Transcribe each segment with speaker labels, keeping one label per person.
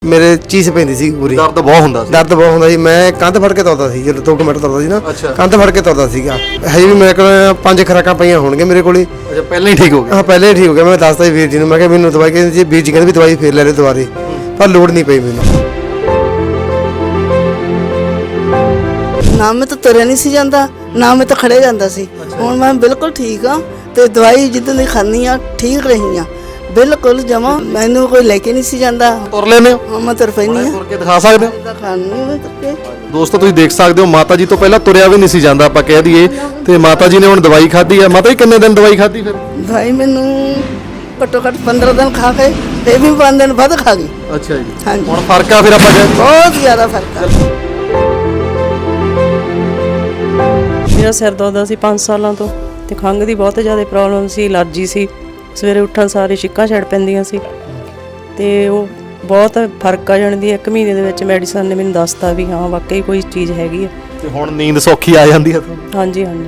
Speaker 1: ਮੇਰੇ ਚੀਜ਼ ਪੈਂਦੀ ਸੀ ਪੂਰੀ।
Speaker 2: ਦਰਦ ਬਹੁਤ ਹੁੰਦਾ ਸੀ।
Speaker 1: ਦਰਦ ਬਹੁਤ ਹੁੰਦਾ ਸੀ। ਮੈਂ ਕੰਧ ਫੜ ਕੇ ਤੁਰਦਾ ਸੀ, ਜਦੋਂ 2 ਮਿੰਟ ਤੁਰਦਾ ਸੀ ਨਾ,
Speaker 2: ਅੱਛਾ।
Speaker 1: ਕੰਧ ਫੜ ਕੇ ਤੁਰਦਾ ਸੀਗਾ। ਹਜੇ ਵੀ ਮੇਰੇ ਕੋਲ 5 ਖੁਰਾਕਾਂ ਪਈਆਂ ਹੋਣਗੀਆਂ ਮੇਰੇ ਕੋਲੇ।
Speaker 2: ਅੱਛਾ, ਪਹਿਲਾਂ ਹੀ ਠੀਕ ਹੋ ਗਿਆ।
Speaker 1: ਹਾਂ, ਪਹਿਲੇ ਹੀ ਠੀਕ ਹੋ ਗਿਆ। ਮੈਂ ਦੱਸਦਾ ਸੀ ਵੀਰ ਜੀ ਨੂੰ, ਮੈਂ ਕਿਹਾ ਮੈਨੂੰ ਦਵਾਈ ਕਹਿੰਦੇ ਜੀ, ਵੀਰ ਜੀ ਕਹਿੰਦੇ ਵੀ ਦਵਾਈ ਫੇਰ ਲੈ ਲੈ ਦੁਬਾਰੇ, ਪਰ ਲੋੜ ਨਹੀਂ ਪਈ ਮੈਨੂੰ।
Speaker 3: ਨਾ ਮੈਂ ਤਾਂ ਤੁਰਿਆ ਨਹੀਂ ਸੀ ਜਾਂਦਾ, ਨਾ ਮੈਂ ਤਾਂ ਖੜੇ ਜਾਂਦਾ ਸੀ। ਹੁਣ ਮੈਂ ਬਿਲਕੁਲ ਠੀਕ ਹਾਂ ਤੇ ਦਵਾਈ ਜਿੱਦਾਂ ਦੀ ਖਾਂਦੀ ਆ ਠੀਕ ਰਹੀ ਆ ਬਿਲਕੁਲ ਜਮਾ। ਮੈਨੂੰ ਕੋਈ ਲੈ ਕੇ ਨਹੀਂ ਸੀ ਜਾਂਦਾ।
Speaker 2: ਤੁਰ ਲੈਨੇ ਹੋ?
Speaker 3: ਹਾਂ, ਮੈਂ ਤੁਰ ਪੈਂਦੀ ਆ।
Speaker 2: ਤੁਰ ਕੇ ਦਿਖਾ ਸਕਦੇ ਹੋ?
Speaker 3: ਤਾਂ ਖਾਣੀ ਮੈਂ ਤੁਰ ਕੇ।
Speaker 2: ਦੋਸਤੋ ਤੁਸੀਂ ਦੇਖ ਸਕਦੇ ਹੋ, ਮਾਤਾ ਜੀ ਤੋਂ ਪਹਿਲਾਂ ਤੁਰਿਆ ਵੀ ਨਹੀਂ ਸੀ ਜਾਂਦਾ ਆਪਾਂ ਕਹਿ ਦਈਏ, ਤੇ ਮਾਤਾ ਜੀ ਨੇ ਹੁਣ ਦਵਾਈ ਖਾਧੀ ਆ। ਮਾਤਾ ਜੀ ਕਿੰਨੇ ਦਿਨ ਦਵਾਈ ਖਾਧੀ ਫਿਰ?
Speaker 3: ਦਵਾਈ ਮੈਨੂੰ ਘੱਟੋ ਘੱਟ 15 ਦਿਨ ਖਾ ਕੇ ਤੇ ਵੀ 5 ਦਿਨ ਵੱਧ ਖਾ ਗਈ।
Speaker 2: ਅੱਛਾ ਜੀ।
Speaker 3: ਹਾਂਜੀ,
Speaker 2: ਹੁਣ ਫਰਕ ਆ ਫਿਰ ਆਪਾਂ ਕਹਿ
Speaker 3: ਬਹੁਤ ਜ਼ਿਆਦਾ ਫਰਕ ਆ।
Speaker 4: ਮੇਰਾ ਸਿਰ ਦੁਖਦਾ ਸੀ 5 ਸਾਲਾਂ ਤੋਂ ਤੇ ਖੰਘ ਦੀ ਬਹੁਤ ਜ਼ਿਆਦਾ ਪ੍ਰੋਬਲਮ ਸੀ, ਅਲਰਜੀ ਸੀ। ਸਵੇਰੇ ਉੱਠਣ ਸਾਰੇ ਛਿੱਕਾਂ ਛੱਡ ਪੈਂਦੀਆਂ ਸੀ ਤੇ ਉਹ ਬਹੁਤ ਫਰਕ ਆ ਜਾਣਦੀ। 1 ਮਹੀਨੇ ਦੇ ਵਿੱਚ ਮੈਡੀਸਨ ਨੇ ਮੈਨੂੰ ਦੱਸਤਾ ਵੀ ਹਾਂ ਵਾਕਈ ਕੋਈ ਚੀਜ਼ ਹੈਗੀ ਆ।
Speaker 2: ਤੇ ਹੁਣ ਨੀਂਦ ਸੌਖੀ ਆ ਜਾਂਦੀ ਹੈ ਤੁਹਾਨੂੰ?
Speaker 4: ਹਾਂਜੀ ਹਾਂਜੀ।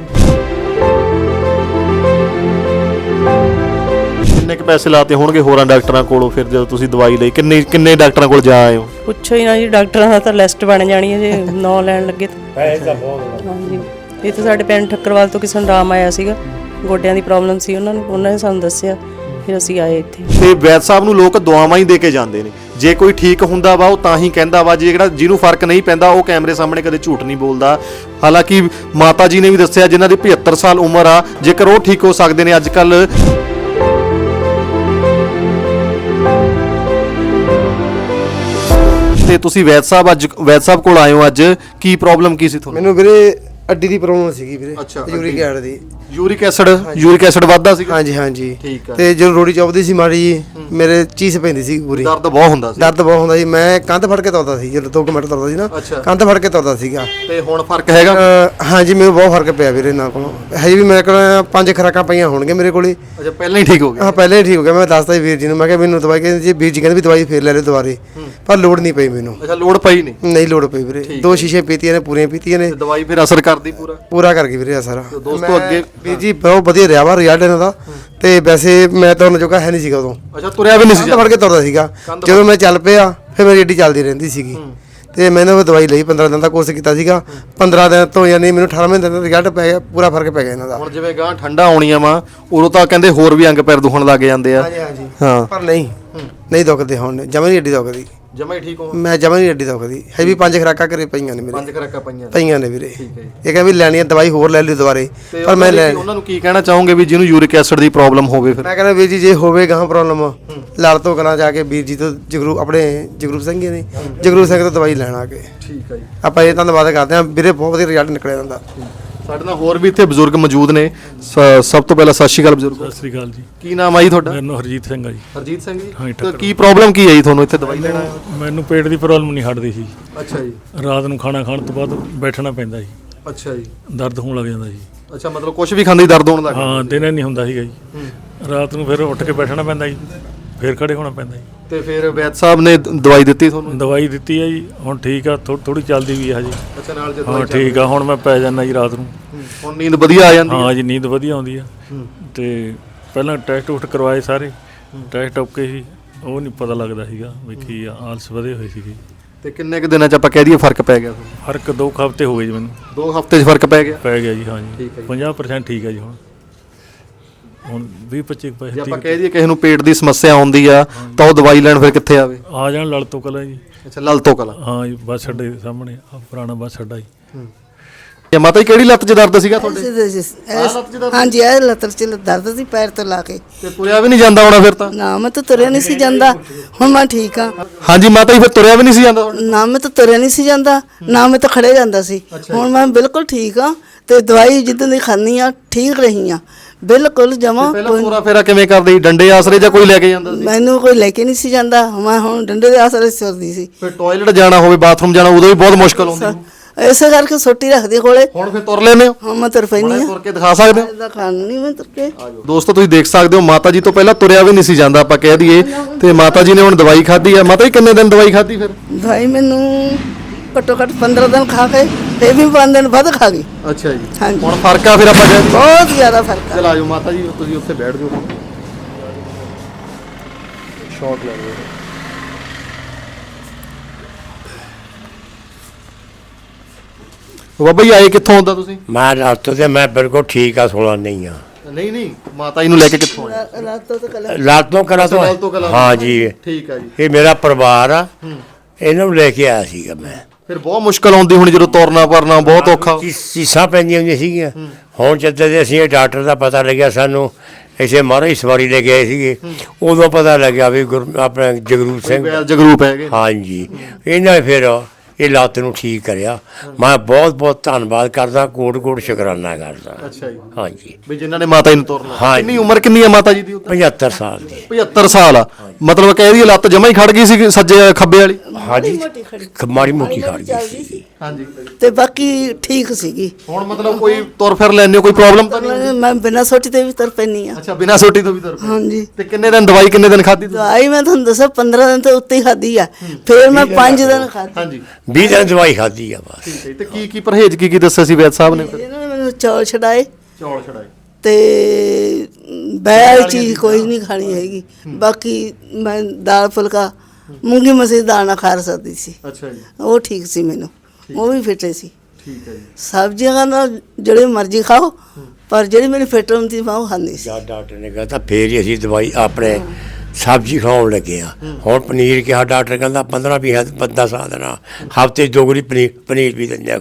Speaker 2: ਕਿੰਨੇ ਕੁ ਪੈਸੇ ਲਾਤੇ ਹੋਣਗੇ ਹੋਰਾਂ ਡਾਕਟਰਾਂ ਕੋਲੋਂ ਫਿਰ ਜਦੋਂ ਤੁਸੀਂ ਦਵਾਈ ਲਈ? ਕਿੰਨੇ ਡਾਕਟਰਾਂ ਕੋਲ ਜਾ ਆਏ ਹੋ?
Speaker 4: ਪੁੱਛੋ ਹੀ ਨਾ ਜੀ, ਡਾਕਟਰਾਂ ਦਾ ਤਾਂ ਲਿਸਟ ਬਣ ਜਾਣੀ ਹੈ ਜੇ ਨਾਂ ਲੈਣ ਲੱਗੇ ਤਾਂ।
Speaker 1: ਪੈਸੇ ਤਾਂ ਬਹੁਤ।
Speaker 4: ਹਾਂਜੀ, ਇਹ ਤਾਂ ਸਾਡੇ ਪਿੰਡ ਠੱਕਰਵਾਲ ਤੋਂ ਕਿਸੇ ਨੂੰ ਰਾਮ ਆਇਆ ਸੀਗਾ, ਗੋਡਿਆਂ ਦੀ ਪ੍ਰੋਬਲਮ ਸੀ ਉਹਨਾਂ ਨੇ ਸਾਨੂੰ ਦੱਸਿਆ, ਫਿਰ ਅਸੀਂ ਆਏ ਇੱਥੇ।
Speaker 2: ਤੇ ਵੈਦ ਸਾਹਿਬ ਨੂੰ ਲੋਕ ਦੁਆਵਾਂ ਹੀ ਦੇ ਕੇ ਜਾਂਦੇ ਨੇ। ਜੇ ਕੋਈ ਠੀਕ ਹੁੰਦਾ ਵਾ ਉਹ ਤਾਂ ਹੀ ਕਹਿੰਦਾ ਵਾ, ਜਿਹੜਾ ਜਿਹਨੂੰ ਫਰਕ ਨਹੀਂ ਪੈਂਦਾ ਉਹ ਕੈਮਰੇ ਸਾਹਮਣੇ ਕਦੇ ਝੂਠ ਨਹੀਂ ਬੋਲਦਾ। ਹਾਲਾਂਕਿ ਮਾਤਾ ਜੀ ਨੇ ਵੀ ਦੱਸਿਆ ਜਿਨ੍ਹਾਂ ਦੀ 75 ਸਾਲ ਉਮਰ ਆ, ਜੇਕਰ ਉਹ ਠੀਕ ਹੋ ਸਕਦੇ ਨੇ ਅੱਜ ਕੱਲ। ਤੇ ਤੁਸੀਂ ਵੈਦ ਸਾਹਿਬ ਕੋਲ ਆਏ ਹੋ ਅੱਜ, ਕੀ ਪ੍ਰੋਬਲਮ ਕੀ ਸੀ ਤੁਹਾਨੂੰ?
Speaker 1: ਮੈਨੂੰ ਵੀਰੇ ਅੱਡੀ ਦੀ ਪ੍ਰੋਬਲਮ ਸੀਗੀ ਵੀਰੇ,
Speaker 2: ਅੱਛਾ,
Speaker 1: ਯੂਰਿਕ ਐਸਿਡ ਦੀ।
Speaker 2: ਯੂਰਿਕ ਐਸਿਡ ਵੱਧਦਾ ਸੀ?
Speaker 1: ਹਾਂਜੀ ਹਾਂਜੀ।
Speaker 2: ਠੀਕ ਆ।
Speaker 1: ਤੇ ਜਦੋਂ ਰੋੜੀ ਚੁੱਭਦੀ ਸੀ ਮਾੜੀ ਜੀ, ਮੇਰੇ ਚੀਜ਼ ਪੈਂਦੀ ਸੀ ਪੂਰੀ।
Speaker 2: ਦਰਦ ਬਹੁਤ ਹੁੰਦਾ ਸੀ?
Speaker 1: ਦਰਦ ਬਹੁਤ ਹੁੰਦਾ ਸੀ। ਮੈਂ ਕੰਧ ਫੜ ਕੇ ਤੁਰਦਾ ਸੀ, ਜਦੋਂ 2 ਮਿੰਟ ਤੁਰਦਾ ਸੀ ਨਾ,
Speaker 2: ਅੱਛਾ।
Speaker 1: ਕੰਧ ਫੜ ਕੇ ਤੁਰਦਾ ਸੀਗਾ।
Speaker 2: ਤੇ ਹੁਣ ਫਰਕ ਹੈਗਾ?
Speaker 1: ਹਾਂਜੀ, ਮੈਨੂੰ ਬਹੁਤ ਫਰਕ ਪਿਆ ਵੀਰੇ ਇਹਨਾਂ ਕੋਲੋਂ। ਹਜੇ ਵੀ ਮੇਰੇ ਕੋਲ 5 ਖੁਰਾਕਾਂ ਪਈਆਂ ਹੋਣਗੀਆਂ ਮੇਰੇ ਕੋਲੇ।
Speaker 2: ਅੱਛਾ, ਪਹਿਲਾਂ ਹੀ ਠੀਕ ਹੋ ਗਿਆ।
Speaker 1: ਹਾਂ, ਪਹਿਲੇ ਹੀ ਠੀਕ ਹੋ ਗਿਆ। ਮੈਂ ਦੱਸਦਾ ਸੀ ਵੀਰ ਜੀ ਨੂੰ, ਮੈਂ ਕਿਹਾ ਮੈਨੂੰ ਦਵਾਈ ਕਹਿੰਦੇ ਜੀ, ਵੀਰ ਜੀ ਕਹਿੰਦੇ ਵੀ ਦਵਾਈ ਫੇਰ ਲੈ ਲੈ ਦੁਬਾਰੇ, ਪਰ ਲੋੜ ਨਹੀਂ ਪਈ ਮੈਨੂੰ।
Speaker 2: ਅੱਛਾ, ਲੋੜ ਪਈ ਨਹੀਂ?
Speaker 1: ਨਹੀਂ ਲੋੜ ਪਈ ਵੀਰੇ। 2 ਸ਼ੀਸ਼ੇ ਪੀਤੀਆਂ ਨੇ, ਪੂਰੀਆਂ ਪੀਤੀਆਂ ਨੇ।
Speaker 2: ਤੇ ਦਵਾਈ ਫਿਰ ਅਸਰ ਕਰਦੀ
Speaker 1: ਪੂਰਾ ਕਰ ਗਈ ਵੀਰੇ ਸਾਰਾ।
Speaker 2: ਦੋਸਤੋ ਅੱਗੇ
Speaker 1: ਵੀਰ ਜੀ ਬਹੁਤ ਵਧੀਆ ਰਿਹਾ ਵਾ ਰਿਜ਼ਲਟ ਇਹਨਾਂ ਦਾ। ਤੇ ਵੈਸੇ ਮੈਂ ਤੁਰਨ ਜੋਗਾ ਹੈ ਨਹੀਂ ਸੀਗਾ ਉਦੋਂ।
Speaker 2: ਅੱਛਾ, ਤੁਰਿਆ ਵੀ ਨਹੀਂ ਸੀ?
Speaker 1: ਕੰਧ ਫੜ ਕੇ ਤੁਰਦਾ ਸੀਗਾ। ਜਦੋਂ ਮੈਂ ਚੱਲ ਪਿਆ ਫਿਰ ਮੇਰੀ ਏਡੀ ਚੱਲਦੀ ਰਹਿੰਦੀ ਸੀਗੀ। ਤੇ ਮੈਨੂੰ ਉਹ ਦਵਾਈ ਲਈ, 15 ਦਿਨ ਦਾ ਕੋਰਸ ਕੀਤਾ ਸੀਗਾ। 15 ਦਿਨ ਤੋਂ ਯਾਨੀ ਮੈਨੂੰ 18ਵੇਂ ਦਿਨ ਦਾ ਰਿਜ਼ਲਟ ਪੈ ਗਿਆ, ਪੂਰਾ ਫਰਕ ਪੈ ਗਿਆ ਇਹਨਾਂ ਦਾ।
Speaker 2: ਹੁਣ ਜਿਵੇਂ ਗਾਂ ਠੰਡਾ ਆਉਣੀਆਂ ਵਾ, ਉਦੋਂ ਤਾਂ ਕਹਿੰਦੇ ਹੋਰ ਵੀ ਅੰਗ ਪੈਰ ਦੁਖਣ ਲੱਗ ਜਾਂਦੇ ਆ।
Speaker 1: ਹਾਂਜੀ ਹਾਂਜੀ।
Speaker 2: ਹਾਂ,
Speaker 1: ਪਰ ਨਹੀਂ ਦੁਖਦੇ ਹੁਣ, ਜਮਾਂ ਨਹੀਂ ਏਡੀ ਦੁਖਦੀ।
Speaker 2: ਜਮਾ ਹੀ ਠੀਕ ਹੋ?
Speaker 1: ਮੈਂ ਜਮਾਂ ਨਹੀਂ ਏਡੀ ਦੁਖਦੀ ਹੈ। ਵੀ 5 ਖੁਰਾਕਾਂ ਘਰੇ ਪਈਆਂ ਨੇ ਮੇਰੇ।
Speaker 2: 5 ਖੁਰਾਕਾਂ
Speaker 1: ਪਈਆਂ ਨੇ ਵੀਰੇ।
Speaker 2: ਠੀਕ ਹੈ।
Speaker 1: ਇਹ ਕਹਿੰਦੇ ਵੀ ਲੈਣੀ ਆ ਦਵਾਈ, ਹੋਰ ਲੈ ਲਈ ਦੁਬਾਰੇ, ਪਰ ਮੈਂ
Speaker 2: ਉਹਨਾਂ ਨੂੰ ਕੀ ਕਹਿਣਾ ਚਾਹੋਗੇ ਵੀ ਜਿਹਨੂੰ ਯੂਰਿਕ ਐਸਿਡ ਦੀ ਪ੍ਰੋਬਲਮ ਹੋਵੇ? ਫਿਰ
Speaker 1: ਮੈਂ ਕਹਿੰਦਾ ਵੀਰ ਜੀ, ਜੇ ਹੋਵੇ ਗਾਂ ਪ੍ਰੋਬਲਮ, ਲੜ ਤੋਂ ਕਰਾਂ ਜਾ ਕੇ ਵੀਰ ਜੀ ਤੋਂ, ਜਗਰੂਪ ਸਿੰਘ ਜੀ ਨੇ, ਜਗਰੂਪ ਸਿੰਘ ਤੋਂ ਦਵਾਈ ਲੈਣ ਆ ਕੇ।
Speaker 2: ਠੀਕ ਹੈ ਜੀ।
Speaker 1: ਆਪਾਂ ਇਹ ਧੰਨਵਾਦ ਕਰਦੇ ਹਾਂ ਵੀਰੇ, ਬਹੁਤ ਵਧੀਆ ਰਿਜ਼ਲਟ ਨਿਕਲਿਆ ਜਾਂਦਾ।
Speaker 2: ਸਾਡੇ ਨਾਲ ਹੋਰ ਵੀ ਇੱਥੇ ਬਜ਼ੁਰਗ ਮੌਜੂਦ ਨੇ। ਸਭ ਤੋਂ ਪਹਿਲਾਂ ਸਤਿ ਸ਼੍ਰੀ ਅਕਾਲ ਬਜ਼ੁਰਗ।
Speaker 5: ਸਤਿ ਸ੍ਰੀ ਅਕਾਲ ਜੀ।
Speaker 2: ਕੀ ਨਾਮ ਆ ਜੀ ਤੁਹਾਡਾ?
Speaker 5: ਮੇਰਾ ਨਾਮ ਹਰਜੀਤ ਸਿੰਘ ਆ ਜੀ।
Speaker 2: ਹਰਜੀਤ ਸਿੰਘ ਜੀ।
Speaker 5: ਹਾਂ ਜੀ,
Speaker 2: ਤਾਂ ਕੀ ਪ੍ਰੋਬਲਮ ਕੀ ਹੈ ਜੀ ਤੁਹਾਨੂੰ ਇੱਥੇ ਦਵਾਈ ਲੈਣਾ?
Speaker 5: ਮੈਨੂੰ ਪੇਟ ਦੀ ਪ੍ਰੋਬਲਮ ਨਹੀਂ ਹਟਦੀ ਸੀ।
Speaker 2: ਅੱਛਾ ਜੀ।
Speaker 5: ਰਾਤ ਨੂੰ ਖਾਣਾ ਖਾਣ ਤੋਂ ਬਾਅਦ ਬੈਠਣਾ ਪੈਂਦਾ ਜੀ,
Speaker 2: ਅੱਛਾ ਜੀ।
Speaker 5: ਦਰਦ ਹੋਣ ਲੱਗ ਜਾਂਦਾ ਜੀ।
Speaker 2: ਅੱਛਾ, ਮਤਲਬ ਕੁਝ ਵੀ ਖਾਂਦੇ ਦਰਦ ਹੋਣ ਲੱਗ ਜਾਂਦਾ?
Speaker 5: ਹਾਂ, ਦਿਨੇ ਨਹੀਂ ਹੁੰਦਾ ਸੀਗਾ ਜੀ, ਰਾਤ ਨੂੰ ਫਿਰ ਉੱਠ ਕੇ ਬੈਠਣਾ ਪੈਂਦਾ ਜੀ, ਫਿਰ ਖੜੇ ਹੋਣਾ ਪੈਂਦਾ ਜੀ।
Speaker 2: ਤੇ ਫਿਰ ਵੈਦ ਸਾਹਿਬ ਨੇ ਦਵਾਈ ਦਿੱਤੀ ਤੁਹਾਨੂੰ?
Speaker 5: ਦਵਾਈ ਦਿੱਤੀ ਹੈ ਜੀ, ਹੁਣ ਠੀਕ ਆ, ਥੋੜੀ ਚੱਲਦੀ ਵੀ ਹੈ ਹਜੇ।
Speaker 2: ਅੱਛਾ, ਨਾਲ ਜੇ
Speaker 5: ਹਾਂ ਠੀਕ ਆ, ਹੁਣ ਮੈਂ ਪੈ ਜਾਂਦਾ ਜੀ ਰਾਤ ਨੂੰ।
Speaker 2: ਹੁਣ ਨੀਂਦ ਵਧੀਆ ਆ ਜਾਂਦੀ?
Speaker 5: ਹਾਂ ਜੀ, ਨੀਂਦ ਵਧੀਆ ਆਉਂਦੀ ਆ। ਤੇ ਪਹਿਲਾਂ ਟੈਸਟ ਟੂਸਟ ਕਰਵਾਏ ਸਾਰੇ, ਟੈਸਟ ਓਕੇ ਸੀ, ਉਹ ਨਹੀਂ ਪਤਾ ਲੱਗਦਾ ਸੀਗਾ ਵੀ ਕੀ ਆ, ਆਲਸ ਵਧੇ ਹੋਏ ਸੀਗੇ।
Speaker 2: ਤੇ ਕਿੰਨੇ ਕੁ ਦਿਨਾਂ ਚ ਆਪਾਂ ਕਹਿ ਦਈਏ ਫਰਕ ਪੈ ਗਿਆ ਤੁਹਾਨੂੰ?
Speaker 5: ਫਰਕ 2 ਹਫ਼ਤੇ ਹੋ ਗਏ ਜੀ ਮੈਨੂੰ।
Speaker 2: 2 ਹਫ਼ਤੇ 'ਚ ਫਰਕ ਪੈ ਗਿਆ
Speaker 5: ਜੀ। ਹਾਂ ਜੀ, 50% ਠੀਕ ਹੈ ਜੀ। ਹੁਣ 20-25
Speaker 2: ਜੇ ਆਪਾਂ ਕਹਿ ਦਈਏ ਕਿਸੇ ਨੂੰ ਪੇਟ ਦੀ ਸਮੱਸਿਆ ਆਉਂਦੀ ਆ ਤਾਂ ਉਹ ਦਵਾਈ ਲੈਣ ਫਿਰ ਕਿੱਥੇ ਆਵੇ?
Speaker 5: ਆ ਜਾਣ ਲੜ ਤੋਂ ਕਲਾਂ ਜੀ।
Speaker 2: ਅੱਛਾ, ਲਲ ਤੋਂ ਕਲਾਂ।
Speaker 5: ਹਾਂ ਜੀ, ਬੱਸ ਅੱਡੇ ਦੇ ਸਾਹਮਣੇ ਆ ਪੁਰਾਣਾ ਬੱਸ ਅੱਡਾ ਜੀ।
Speaker 2: ਇਹ ਮਾਤਾ ਜੀ ਕਿਹੜੀ ਲੱਤ 'ਚ ਦਰਦ ਸੀਗਾ ਤੁਹਾਡੇ?
Speaker 3: ਹਾਂਜੀ, ਇਹ ਲੱਤ 'ਚ ਦਰਦ ਸੀ ਪੈਰ ਤੋਂ ਲਾ ਕੇ।
Speaker 2: ਤੇ ਤੁਰਿਆ ਵੀ ਨਹੀਂ ਜਾਂਦਾ ਹੋਣਾ ਫਿਰ ਤਾਂ?
Speaker 3: ਨਾ ਮੈਂ ਤਾਂ ਤੁਰਿਆ ਨਹੀਂ ਸੀ ਜਾਂਦਾ, ਹੁਣ ਮੈਂ ਠੀਕ ਹਾਂ।
Speaker 2: ਹਾਂਜੀ ਮਾਤਾ ਜੀ, ਫਿਰ ਤੁਰਿਆ ਵੀ ਨਹੀਂ ਸੀ ਜਾਂਦਾ?
Speaker 3: ਨਾ ਮੈਂ ਤਾਂ ਤੁਰਿਆ ਨਹੀਂ ਸੀ ਜਾਂਦਾ, ਨਾ ਮੈਂ ਤਾਂ ਖੜੇ ਜਾਂਦਾ ਸੀ। ਹੁਣ ਮੈਂ ਬਿਲਕੁਲ ਠੀਕ ਹਾਂ ਤੇ ਦਵਾਈ ਜਿੱਦਾਂ ਦੀ ਖਾਂਦੀ ਆ ਠੀਕ ਰਹੀ ਆ ਬਿਲਕੁਲ ਜਮਾ।
Speaker 2: ਪਹਿਲਾਂ ਪੂਰਾ ਫੇਰਾ ਕਿਵੇਂ ਕਰਦੇ ਸੀ? ਡੰਡੇ ਆਸਰੇ ਜਾਂ ਕੋਈ ਲੈ ਕੇ ਜਾਂਦਾ ਸੀ?
Speaker 3: ਮੈਨੂੰ ਕੋਈ ਲੈ ਕੇ ਨਹੀਂ ਸੀ ਜਾਂਦਾ, ਮੈਂ ਹੁਣ ਡੰਡੇ ਦੇ ਆਸਰੇ ਤੁਰਦੀ ਸੀ।
Speaker 2: ਫਿਰ ਟਾਇਲਟ ਜਾਣਾ ਹੋਵੇ, ਬਾਥਰੂਮ ਜਾਣਾ, ਉਦੋਂ ਵੀ ਬਹੁਤ ਮੁਸ਼ਕਲ ਹੁੰਦੀ?
Speaker 3: ਇਸੇ ਕਰਕੇ ਸੋਟੀ ਰੱਖਦੀ ਕੋਲੇ।
Speaker 2: ਹੁਣ ਫਿਰ ਤੁਰ ਲੈਨੇ ਹੋ?
Speaker 3: ਹਾਂ, ਮੈਂ ਤੁਰ ਪੈਂਦੀ ਆ।
Speaker 2: ਤੁਰ ਕੇ ਦਿਖਾ ਸਕਦੇ ਹੋ?
Speaker 3: ਇਹਦਾ ਖਾਣੀ ਮੈਂ ਤੁਰ ਕੇ।
Speaker 2: ਦੋਸਤੋ ਤੁਸੀਂ ਦੇਖ ਸਕਦੇ ਹੋ, ਮਾਤਾ ਜੀ ਤੋਂ ਪਹਿਲਾਂ ਤੁਰਿਆ ਵੀ ਨਹੀਂ ਸੀ ਜਾਂਦਾ ਆਪਾਂ ਕਹਿ ਦਈਏ, ਤੇ ਮਾਤਾ ਜੀ ਨੇ ਹੁਣ ਦਵਾਈ ਖਾਧੀ ਆ। ਮਾਤਾ ਜੀ ਕਿੰਨੇ ਦਿਨ ਦਵਾਈ ਖਾਧੀ ਫਿਰ?
Speaker 3: ਦਵਾਈ ਮੈਨੂੰ ਘੱਟੋ ਘੱਟ 15 ਦਿਨ ਖਾ ਕੇ ਤੇ ਵੀ 5 ਦਿਨ ਵੱਧ ਖਾ ਗਈ।
Speaker 2: ਅੱਛਾ ਜੀ।
Speaker 3: ਹਾਂਜੀ,
Speaker 2: ਹੁਣ ਫਰਕ ਆ ਫਿਰ ਆਪਾਂ ਕਹਿ ਦਈਏ?
Speaker 3: ਬਹੁਤ ਜ਼ਿਆਦਾ ਫਰਕ ਆ।
Speaker 2: ਚਲ ਆਜੋ ਮਾਤਾ ਜੀ, ਤੁਸੀਂ ਉੱਥੇ ਬੈਠ ਜਾਓ, ਸ਼ਾਟ ਲੈ ਲਓ। ਬਾਬਾ ਜੀ ਆਏ ਕਿੱਥੋਂ ਹੁੰਦਾ ਤੁਸੀਂ?
Speaker 6: ਮੈਂ ਰਾਤ ਤੇ ਮੈਂ ਬਿਲਕੁਲ ਠੀਕ ਆ, 16 ਨਹੀਂ ਆ।
Speaker 2: ਨਹੀਂ ਮਾਤਾ ਜੀ ਨੂੰ ਲੈ ਕੇ ਕਿੱਥੋਂ ਆਏ?
Speaker 3: ਰਾਤੋਂ ਤੋਂ ਕਲਾ
Speaker 6: ਲਾਲ ਤੋਂ ਕਰਾ ਤੋਂ
Speaker 2: ਲਾਲ ਤੋਂ ਕਲਾਂ ਤੋਂ।
Speaker 6: ਹਾਂ ਜੀ,
Speaker 2: ਠੀਕ ਆ ਜੀ।
Speaker 6: ਇਹ ਮੇਰਾ ਪਰਿਵਾਰ ਆ, ਇਹਨਾਂ ਨੂੰ ਲੈ ਕੇ ਆਇਆ ਸੀਗਾ ਮੈਂ।
Speaker 2: ਫਿਰ ਬਹੁਤ ਮੁਸ਼ਕਲ ਆਉਂਦੀ ਹੋਣੀ ਜਦੋਂ ਤੁਰਨਾ ਪਰਨਾ ਬਹੁਤ ਔਖਾ।
Speaker 6: ਚੀਸਾਂ ਪੈਂਦੀਆਂ ਹੁੰਦੀਆਂ ਸੀਗੀਆਂ। ਹੁਣ ਜਦੋਂ ਦੇ ਅਸੀਂ ਇਹ ਡਾਕਟਰ ਦਾ ਪਤਾ ਲੱਗਿਆ ਸਾਨੂੰ, ਇਸੇ ਮਹਾਰਾਜ ਸਵਾਰੀ ਲੈ ਕੇ ਆਏ ਸੀਗੇ, ਉਦੋਂ ਪਤਾ ਲੱਗਿਆ ਵੀ ਆਪਣਾ ਜਗਰੂਪ ਸਿੰਘ,
Speaker 2: ਜਗਰੂਪ ਹੈਗੇ।
Speaker 6: ਹਾਂਜੀ, ਇਹਨਾਂ ਨੇ ਫਿਰ ਇਹ ਲੱਤ ਨੂੰ ਠੀਕ ਕਰਿਆ। ਮੈਂ ਬਹੁਤ ਬਹੁਤ ਧੰਨਵਾਦ ਕਰਦਾ, ਕੋਟ ਕੋਟ ਸ਼ੁਕਰਾਨਾ ਕਰਦਾ।
Speaker 2: ਅੱਛਾ ਜੀ।
Speaker 6: ਹਾਂਜੀ,
Speaker 2: ਵੀ ਜਿਨ੍ਹਾਂ ਨੇ ਮਾਤਾ ਜੀ ਨੂੰ ਤੋਰਨਾ।
Speaker 6: ਹਾਂ।
Speaker 2: ਕਿੰਨੀ ਉਮਰ ਕਿੰਨੀ ਹੈ ਮਾਤਾ ਜੀ ਦੀ?
Speaker 6: 75 ਸਾਲ ਦੀ।
Speaker 2: 75 ਸਾਲ ਆ, ਮਤਲਬ ਕਹਿ ਰਹੀ ਲੱਤ ਜਮਾ ਹੀ ਖੜ ਗਈ ਸੀ ਸੱਜੇ ਖੱਬੇ ਵਾਲੀ।
Speaker 6: ਹਾਂਜੀ, ਮਾੜੀ ਮੋਟੀ ਖੜ ਗਈ ਸੀ।
Speaker 2: ਹਾਂਜੀ।
Speaker 3: ਤੇ ਬਾਕੀ ਠੀਕ ਸੀਗੀ।
Speaker 2: ਹੁਣ ਮਤਲਬ ਕੋਈ ਤੁਰ ਫਿਰ ਲੈਂਦੇ ਹੋ, ਕੋਈ ਪ੍ਰੋਬਲਮ ਤਾਂ ਨਹੀਂ?
Speaker 3: ਮੈਂ ਬਿਨਾਂ ਸੋਟੀ ਤੇ ਵੀ ਤੁਰ ਪੈਂਦੀ ਆ।
Speaker 2: ਅੱਛਾ, ਬਿਨਾਂ ਸੋਟੀ ਤੋਂ ਵੀ ਤੁਰ ਪਏ।
Speaker 3: ਹਾਂਜੀ।
Speaker 2: ਤੇ ਕਿੰਨੇ ਦਿਨ ਦਵਾਈ ਕਿੰਨੇ ਦਿਨ ਖਾਧੀ ਤੁਸੀਂ?
Speaker 3: ਦਵਾਈ ਮੈਂ ਤੁਹਾਨੂੰ ਦੱਸਾਂ 15 ਦਿਨ ਤੋਂ ਉੱਤੇ ਹੀ ਖਾਧੀ ਆ, ਫਿਰ ਮੈਂ 5 ਦਿਨ ਖਾਧੀ।
Speaker 2: ਹਾਂਜੀ।
Speaker 6: 20 ਦਿਨ ਦਵਾਈ ਖਾਧੀ ਆ ਬਸ।
Speaker 2: ਠੀਕ ਹੈ। ਤੇ ਕੀ ਪਰਹੇਜ਼ ਕੀ ਦੱਸਿਆ ਸੀ ਵੈਦ ਸਾਹਿਬ ਨੇ?
Speaker 3: ਇਹਨਾਂ ਨੇ ਮੈਨੂੰ ਚੌਲ ਛਡਾਏ
Speaker 2: ਚੌਲ ਛੜਾਏ
Speaker 3: ਤੇ ਬੈਲ ਚੀਜ਼ ਕੋਈ ਨਹੀਂ ਖਾਣੀ ਹੈਗੀ। ਬਾਕੀ ਮੈਂ ਦਾਲ ਫੁਲਕਾ ਮੂੰਗੀ ਮਸਰੀ ਦਾਲ ਨਾਲ ਖਾ ਸਕਦੀ ਸੀ।
Speaker 2: ਅੱਛਾ ਜੀ।
Speaker 3: ਉਹ ਠੀਕ ਸੀ ਮੈਨੂੰ, ਉਹ ਵੀ ਫਿੱਟ ਸੀ।
Speaker 2: ਠੀਕ ਹੈ ਜੀ।
Speaker 3: ਸਬਜ਼ੀਆਂ ਨਾਲ ਜਿਹੜੇ ਮਰਜ਼ੀ ਖਾਓ, ਪਰ ਜਿਹੜੀ ਮੈਨੂੰ ਫਿੱਟ ਹੁੰਦੀ ਮੈਂ ਉਹ ਖਾਂਦੀ ਸੀ।
Speaker 6: ਜਦ ਡਾਕਟਰ ਨੇ ਕਹਤਾ ਫੇਰ ਹੀ ਅਸੀਂ ਦਵਾਈ ਆਪਣੇ ਸਬਜ਼ੀ ਖਾਣ ਲੱਗੇ ਆ। ਹੁਣ ਪਨੀਰ ਕਿਹਾ ਡਾਕਟਰ ਕਹਿੰਦਾ 15-20 ਬੰਦਾ ਸਾਹ ਦੇਣਾ, ਹਫ਼ਤੇ ਦੋਗਰੀ ਪਨੀਰ ਵੀ ਦਿੰਦੇ ਆ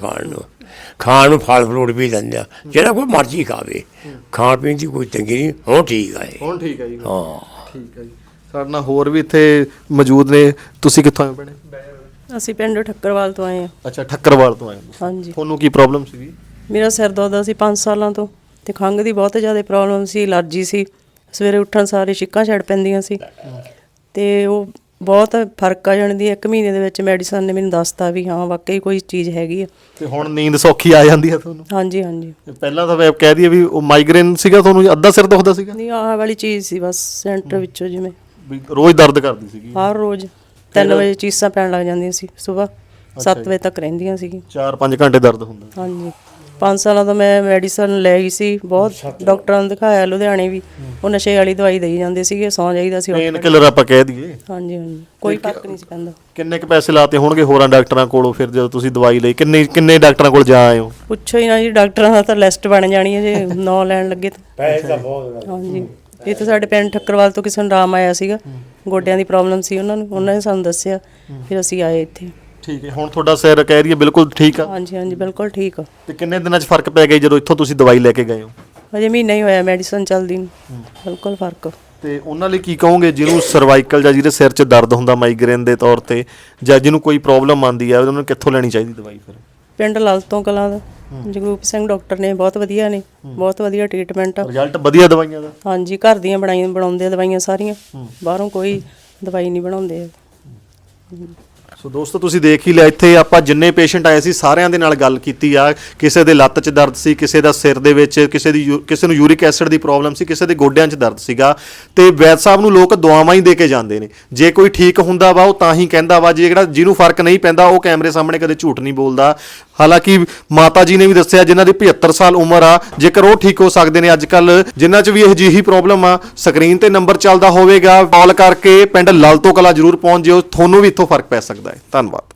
Speaker 6: ਖਾਣ ਨੂੰ ਫਲ ਫਰੂਟ ਵੀ ਦਿੰਦੇ ਆ, ਜਿਹੜਾ ਕੋਈ ਮਰਜ਼ੀ ਖਾਵੇ, ਖਾਣ ਪੀਣ ਦੀ ਕੋਈ ਤੰਗੀ ਨਹੀਂ। ਹੁਣ ਠੀਕ ਆ ਇਹ।
Speaker 2: ਹੁਣ ਠੀਕ ਹੈ ਜੀ।
Speaker 6: ਹਾਂ,
Speaker 2: ਠੀਕ ਹੈ ਜੀ। ਸਾਡੇ ਨਾਲ ਹੋਰ ਵੀ ਇੱਥੇ ਮੌਜੂਦ ਨੇ। ਤੁਸੀਂ ਕਿੱਥੋਂ ਆਏ ਭੈਣੇ?
Speaker 4: ਅਸੀਂ ਪਿੰਡ ਠੱਕਰਵਾਲ ਤੋਂ ਆਏ ਆ।
Speaker 2: ਅੱਛਾ, ਠੱਕਰਵਾਲ ਤੋਂ ਆਏ ਹੋ।
Speaker 4: ਹਾਂਜੀ।
Speaker 2: ਤੁਹਾਨੂੰ ਕੀ ਪ੍ਰੋਬਲਮ ਸੀਗੀ?
Speaker 4: ਮੇਰਾ ਸਿਰ ਦੁਖਦਾ ਸੀ 5 ਸਾਲਾਂ ਤੋਂ, ਤੇ ਖੰਘ ਦੀ ਬਹੁਤ ਜ਼ਿਆਦਾ ਪ੍ਰੋਬਲਮ ਸੀ, ਅਲਰਜੀ ਸੀ। ਸਵੇਰੇ ਉੱਠਣ ਸਾਰੇ ਛਿੱਕਾਂ ਛੱਡ ਪੈਂਦੀਆਂ ਸੀ, ਤੇ ਉਹ ਬਹੁਤ ਫਰਕ ਆ ਜਾਣ ਦੀ 1 ਮਹੀਨੇ ਦੇ ਵਿੱਚ ਮੈਡੀਸਨ ਨੇ ਮੈਨੂੰ ਦੱਸਤਾ ਵੀ ਹਾਂ ਵਾਕਈ ਕੋਈ ਚੀਜ਼ ਹੈਗੀ ਆ।
Speaker 2: ਤੇ ਹੁਣ ਨੀਂਦ ਸੌਖੀ ਆ ਜਾਂਦੀ ਹੈ ਤੁਹਾਨੂੰ?
Speaker 4: ਹਾਂਜੀ ਹਾਂਜੀ।
Speaker 2: ਪਹਿਲਾਂ ਤਾਂ ਮੈਂ ਕਹਿ ਦਈਏ ਵੀ ਉਹ ਮਾਈਗ੍ਰੇਨ ਸੀਗਾ ਤੁਹਾਨੂੰ, ਅੱਧਾ ਸਿਰ ਦੁਖਦਾ ਸੀਗਾ?
Speaker 4: ਨਹੀਂ, ਆਹ ਵਾਲੀ ਚੀਜ਼ ਸੀ ਬਸ ਸੈਂਟਰ ਵਿੱਚੋਂ, ਜਿਵੇਂ
Speaker 2: ਵੀ ਰੋਜ਼ ਦਰਦ ਕਰਦੀ ਸੀਗੀ?
Speaker 4: ਹਰ ਰੋਜ਼ 3 ਵਜੇ ਚੀਸਾਂ ਪੈਣ ਲੱਗ ਜਾਂਦੀਆਂ ਸੀ, ਸਵੇਰ 7 ਵਜੇ ਤੱਕ ਰਹਿੰਦੀਆਂ ਸੀ।
Speaker 2: 4-5 ਘੰਟੇ ਦਰਦ ਹੁੰਦਾ?
Speaker 4: ਹਾਂਜੀ। 5 ਸਾਲਾਂ ਤੋਂ ਮੈਂ ਮੈਡੀਸਨ ਲੈ ਗਈ ਸੀ, ਬਹੁਤ ਡਾਕਟਰਾਂ ਨੂੰ ਦਿਖਾਇਆ ਲੁਧਿਆਣੇ ਵੀ, ਉਹ ਨਸ਼ੇ ਵਾਲੀ ਦਵਾਈ ਦੇਈ ਜਾਂਦੇ ਸੀਗੇ, ਸੌਂ ਜਾਈਦਾ ਸੀ।
Speaker 2: ਪੇਨ ਕਿਲਰ ਆਪਾਂ ਕਹਿ ਦਈਏ।
Speaker 4: ਹਾਂਜੀ ਹਾਂਜੀ, ਕੋਈ ਫਰਕ ਨਹੀਂ ਸੀ ਪੈਂਦਾ।
Speaker 2: ਕਿੰਨੇ ਕੁ ਪੈਸੇ ਲਾਤੇ ਹੋਣਗੇ ਹੋਰਾਂ ਡਾਕਟਰਾਂ ਕੋਲੋਂ ਫਿਰ ਜਦੋਂ ਤੁਸੀਂ ਦਵਾਈ ਲਈ? ਕਿੰਨੇ ਡਾਕਟਰਾਂ ਕੋਲ ਜਾ ਆਏ ਹੋ?
Speaker 4: ਪੁੱਛੋ ਹੀ ਨਾ ਜੀ, ਡਾਕਟਰਾਂ ਦਾ ਤਾਂ ਲਿਸਟ ਬਣ ਜਾਣੀ ਹੈ ਜੇ ਨਾਂ ਲੈਣ ਲੱਗੇ ਤਾਂ।
Speaker 6: ਪੈਸੇ ਤਾਂ ਬਹੁਤ।
Speaker 4: ਹਾਂਜੀ। ਇੱਥੇ ਸਾਡੇ ਪਿੰਡ ਠੱਕਰਵਾਲ ਤੋਂ ਕਿਸੇ ਨੂੰ ਆਰਾਮ ਆਇਆ ਸੀਗਾ, ਗੋਡਿਆਂ ਦੀ ਪ੍ਰੋਬਲਮ ਸੀ ਉਹਨਾਂ ਨੂੰ, ਉਹਨਾਂ ਨੇ ਸਾਨੂੰ ਦੱਸਿਆ, ਫਿਰ ਅਸੀਂ ਆਏ ਇੱਥੇ।
Speaker 2: ਠੀਕ ਹੈ। ਹੁਣ ਤੁਹਾਡਾ ਸਿਰ ਕਹਿ ਰਹੀ ਹੈ ਬਿਲਕੁਲ ਠੀਕ ਆ?
Speaker 4: ਹਾਂਜੀ ਹਾਂਜੀ, ਬਿਲਕੁਲ ਠੀਕ ਆ।
Speaker 2: ਤੇ ਕਿੰਨੇ ਦਿਨਾਂ 'ਚ ਫਰਕ ਪੈ ਗਿਆ ਜਦੋਂ ਇੱਥੋਂ ਤੁਸੀਂ ਦਵਾਈ ਲੈ ਕੇ ਗਏ ਹੋ?
Speaker 4: ਅਜੇ ਮਹੀਨਾ ਹੀ ਹੋਇਆ ਮੈਡੀਸਨ ਚੱਲਦੀ ਨੂੰ, ਬਿਲਕੁਲ ਫਰਕ।
Speaker 2: ਤੇ ਉਹਨਾਂ ਲਈ ਕੀ ਕਹੋਗੇ ਜਿਹਨੂੰ ਸਰਵਾਈਕਲ ਜਾਂ ਜਿਹਦੇ ਸਿਰ 'ਚ ਦਰਦ ਹੁੰਦਾ ਮਾਈਗ੍ਰੇਨ ਦੇ ਤੌਰ ਤੇ, ਜਾਂ ਜਿਹਨੂੰ ਕੋਈ ਪ੍ਰੋਬਲਮ ਆਉਂਦੀ ਆ, ਉਹਨਾਂ ਨੂੰ ਕਿੱਥੋਂ ਲੈਣੀ ਚਾਹੀਦੀ ਦਵਾਈ ਫਿਰ?
Speaker 4: ਪਿੰਡ ਲਾਲਤੋਂ ਕਲਾਂ ਦਾ ਜਗਰੂਪ ਸਿੰਘ ਡਾਕਟਰ ਨੇ, ਬਹੁਤ ਵਧੀਆ ਨੇ, ਬਹੁਤ ਵਧੀਆ ਟ੍ਰੀਟਮੈਂਟ ਆ।
Speaker 2: ਰਿਜ਼ਲਟ ਵਧੀਆ ਦਵਾਈਆਂ ਦਾ?
Speaker 4: ਹਾਂਜੀ, ਘਰ ਦੀਆਂ ਬਣਾਉਂਦੇ ਆ ਦਵਾਈਆਂ ਸਾਰੀਆਂ, ਬਾਹਰੋਂ ਕੋਈ ਦਵਾਈ ਨਹੀਂ ਬਣਾਉਂਦੇ।
Speaker 2: ਸੋ ਦੋਸਤੋ ਤੁਸੀਂ ਦੇਖ ਹੀ ਲਿਆ, ਇੱਥੇ ਆਪਾਂ ਜਿੰਨੇ ਪੇਸ਼ੈਂਟ ਆਏ ਸੀ ਸਾਰਿਆਂ ਦੇ ਨਾਲ ਗੱਲ ਕੀਤੀ ਆ। ਕਿਸੇ ਦੇ ਲੱਤ 'ਚ ਦਰਦ ਸੀ, ਕਿਸੇ ਦਾ ਸਿਰ ਦੇ ਵਿੱਚ, ਕਿਸੇ ਨੂੰ ਯੂਰਿਕ ਐਸਿਡ ਦੀ ਪ੍ਰੋਬਲਮ ਸੀ, ਕਿਸੇ ਦੇ ਗੋਡਿਆਂ 'ਚ ਦਰਦ ਸੀਗਾ। ਤੇ ਵੈਦ ਸਾਹਿਬ ਨੂੰ ਲੋਕ ਦੁਆਵਾਂ ਹੀ ਦੇ ਕੇ ਜਾਂਦੇ ਨੇ। ਜੇ ਕੋਈ ਠੀਕ ਹੁੰਦਾ ਵਾ ਉਹ ਤਾਂ ਹੀ ਕਹਿੰਦਾ ਵਾ, ਜਿਹਨੂੰ ਫਰਕ ਨਹੀਂ ਪੈਂਦਾ ਉਹ ਕੈਮਰੇ ਸਾਹਮਣੇ ਕਦੇ ਝੂਠ ਨਹੀਂ ਬੋਲਦਾ। ਹਾਲਾਂਕਿ ਮਾਤਾ ਜੀ ਨੇ ਵੀ ਦੱਸਿਆ ਜਿਨ੍ਹਾਂ ਦੀ 75 ਸਾਲ ਉਮਰ ਆ, ਜੇਕਰ ਉਹ ਠੀਕ ਹੋ ਸਕਦੇ ਨੇ ਅੱਜ ਕੱਲ, ਜਿਨ੍ਹਾਂ 'ਚ ਵੀ ਇਹ ਜਿਹੀ ਪ੍ਰੋਬਲਮ ਆ, ਸਕਰੀਨ ਤੇ ਨੰਬਰ ਚੱਲਦਾ ਹੋਵੇਗਾ, ਕਾਲ ਕਰਕੇ ਪਿੰਡ ਲਾਲਤੋਂ ਕਲਾਂ ਜ਼ਰੂਰ ਪਹੁੰਚ ਜਿਓ, ਤੁਹਾਨੂੰ ਵੀ ਇੱਥੋਂ ਫਰਕ ਪੈ ਸਕਦਾ ਹੈ। ਧੰਨਵਾਦ।